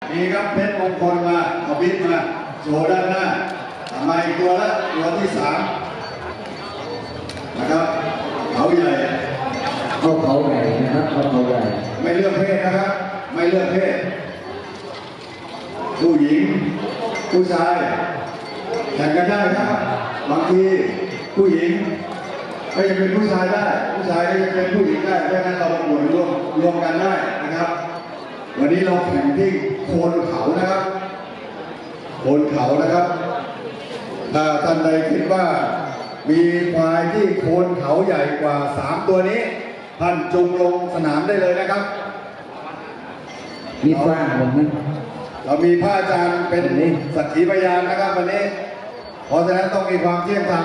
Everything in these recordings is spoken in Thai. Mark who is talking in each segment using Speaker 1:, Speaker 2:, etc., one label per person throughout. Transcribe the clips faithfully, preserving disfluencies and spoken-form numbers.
Speaker 1: มีครับเพชรมงคลมาเอาบิ๊กมาโชว์ด้านหน้าทำไมตัวละตัวที่สามนะครับเขาใหญ่
Speaker 2: เขาเขาใหญ่นะครับเขาเขาใหญ่
Speaker 1: ไม่เลือกเพศนะครับไม่เลือกเพศผู้หญิงผู้ชายแข่งกันได้ครับบางทีผู้หญิงก็ยังเป็นผู้ชายได้ผู้ชายก็ยังเป็นผู้หญิงได้เพราะฉะนั้นเราหมุนรวมรวมกันได้นะครับวันนี้เราแข่งที่โคนเขานะครับโคนเขานะครับถ้าท่านใดคิดว่ามีควายที่โคนเขาใหญ่กว่าสามตัวนี้ท่านจุงลงสนามได้เลยนะครับ
Speaker 2: มีฟ้าผมนะ
Speaker 1: เรามีพระอาจารย์เป็นสักขีพยานนะครับวันนี้เพราะฉะนั้นต้องมีความเที่ยงธรรม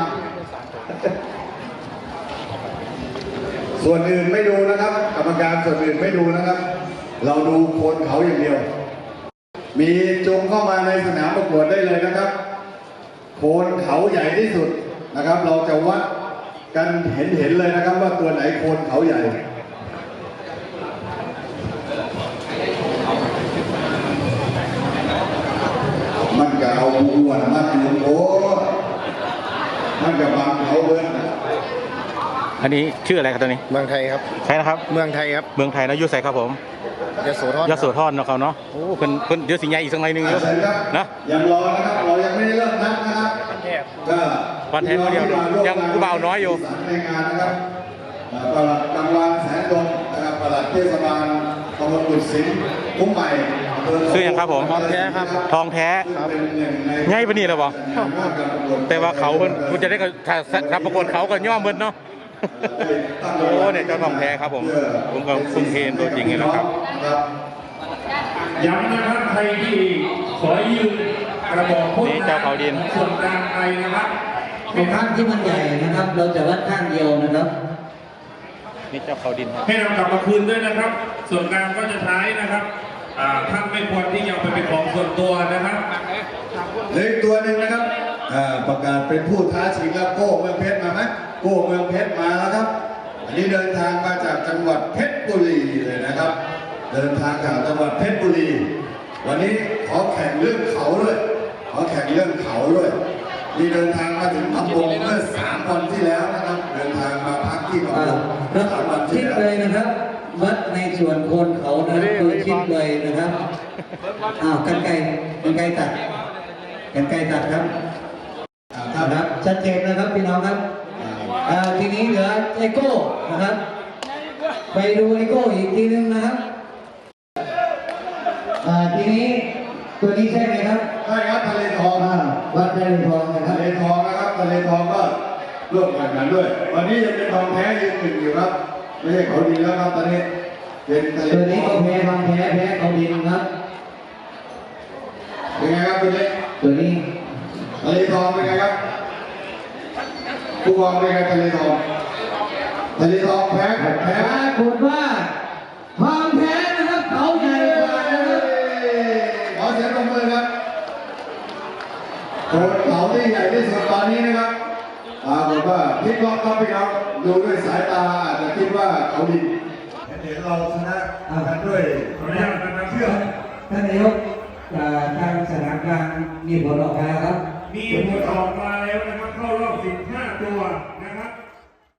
Speaker 1: ส่วนอื่นไม่ดูนะครับกรรมการส่วนอื่นไม่ดูนะครับเราดูโคนเขาอย่างเดียวมีจงเข้ามาในสนามประกวดได้เลยนะครับโคนเขาใหญ่ที่สุดนะครับเราจะวัดกันเห็นเห็นเลยนะครับว่าตัวไหนโคนเขาใหญ่มันก็เอาอ้วนมากลุงโอ้มันก็บังเขาเบิ้ล
Speaker 3: อันนี้ชื่ออะไรครับตัวนี้
Speaker 4: เมืองไทยครับ
Speaker 3: ใช่นะครับ
Speaker 4: เมืองไทยครับ
Speaker 3: เมืองไทยนะยุใส่ครับผม
Speaker 4: ยโสธร
Speaker 3: ยโสธรเนาะเขาเนาะโอ้เพิ่นเพิ่นเดี๋ยวสิใหญ่อีกสักหน่อยนึงเยอะนะ
Speaker 1: ยังรอนะครับเรายังไม่ได้เริ่มนับนะครับก็
Speaker 3: วันแทนเดียวยังกูเบาน้อยอยู่
Speaker 1: ในงานนะครับปลัดกำลังแสนดงนะครับปลัดเทศบาลตำบลกุดสินคุ้มใหม่
Speaker 3: ชื่อยังครับผม
Speaker 4: ทองแท้ครับ
Speaker 3: ทองแท้ง่ายปะนี่เหรอบ่แต่ว่าเขาเพิ่นคุณจะได้ก็ถ้ารับประกวดเขาก็ย่อมเพิ่นเนาะโอ้เนี่ยเจ้าทองแท้ครับผมผมก็คุ้มเทนตัวจริงเลยนะครับ
Speaker 5: ย้ำนะครับใครที่ขอยืมกระบอกพ่น
Speaker 3: เจ้าเขาดิน
Speaker 5: ส่วนกลางไปนะครับ
Speaker 2: ในข้างที่มันใหญ่นะครับเราจะวัดข้างเดียวนะครับ
Speaker 3: นี่เจ้าเขาดิน
Speaker 5: ให้เรากลับมาคืนด้วยนะครับส่วนกลางก็จะใช้นะครับท่านไม่ควรที่จะไปเป็นของส่วนตัวนะครับ
Speaker 1: เหลือตัวหนึ่งนะครับประกาศเป็นผู้ท้าชิงแล้วโก้เมืองเพชรมาไหมโก้เมืองเพชรมาแล้วครับอันนี้เดินทางมาจากจังหวัดเพชรบุรีเลยนะครับเดินทางจากจังหวัดเพชรบุรีวันนี้ขอแข่งเรื่องเขาด้วยขอแข่งเรื่องเขาด้วยมีเดินทางมาถึงพัทลุงเมื่อสามวันที่แล้วนะครับเดินทางมาพักที่พัทลุง
Speaker 2: เมื่อสามวันที่แล้วเลยนะครับวัดในส่วนโคนเขานะคือชิดเลยนะครับอ้าวกันไกลกันไกลตัดกันไกลตัดครับครับชัดเจนนะครับพี่น้องครับทีนี้เหลือไอโก้นะครับไปดูไอโก้อีกทีนึงนะครับทีนี้ตัวนี้ใช่ไหมครับ
Speaker 1: ใช่ครับทะเลทอง
Speaker 2: วัดทะเลทองนะครับ
Speaker 1: ทะเลทองนะครับทะเลทองก็ร่วมกันกันด้วยวันนี้ยังเป็นทองแท้ยืนหนึ่งอยู่ครับไม่ใช่เขาดีแล้วครับตอนนี้เป็นทะเล
Speaker 2: ตัวนี้เขาแพ้ทองแท้แพ้เขาดินครับ
Speaker 1: เป็นไงครับตัวนี้
Speaker 2: ตัวนี้
Speaker 1: ทะเลทองเป็นไงครับผู้กองเป็นไงทะเลทองทะเลทองแพ้แพ้
Speaker 2: คุณว่าทองแท้นะครับเขาใหญ่กว่านะครับ
Speaker 1: ขอเสียงปรบมือครับโคนเขาที่ใหญ่ที่สุดตอนนี้นะครับปรากฏว่าพลิกล็อกครับพี่น้องดูด้วยสายตาอาจจะคิดว่าเขาดีเห็นเราชนะกันด้วยเชื่อ
Speaker 2: ท่านนายกทางสนามกลางมีผลออกมาแล้วครับ
Speaker 5: มีผลออกมาแล้วนะครับเข้ารอบสิบห้าตัว